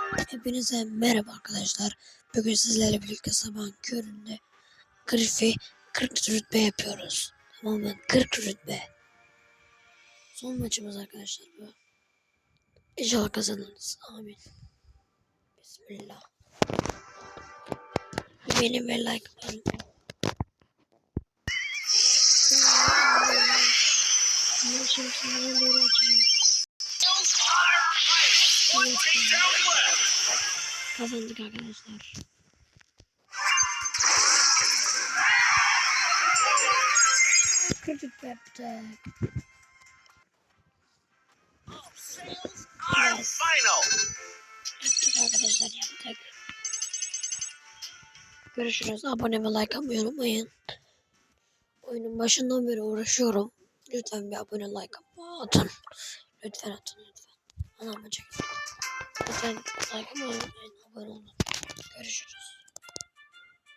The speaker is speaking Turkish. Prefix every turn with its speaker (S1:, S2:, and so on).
S1: Hepinize merhaba arkadaşlar. Bugün sizlerle birlikte sabahın köründe Griff'i 40 rütbe yapıyoruz. Tamamen 40 rütbe. Son maçımız arkadaşlar bu. İnşallah kazanırız. Amin. Bismillah. Beğenin ve like atın. Şimdi sınırına doğru açacağım. Kazandık arkadaşlar. Kırdık yaptık. Yes. Yaptık arkadaşlar yaptık. Görüşürüz. Abone ve like atmayı unutmayın. Oyunun başından beri uğraşıyorum. Lütfen bir abone like atın. Lütfen atın lütfen. Anam çekin. Lütfen like atmayı unutmayın. Abone olun. Görüşürüz.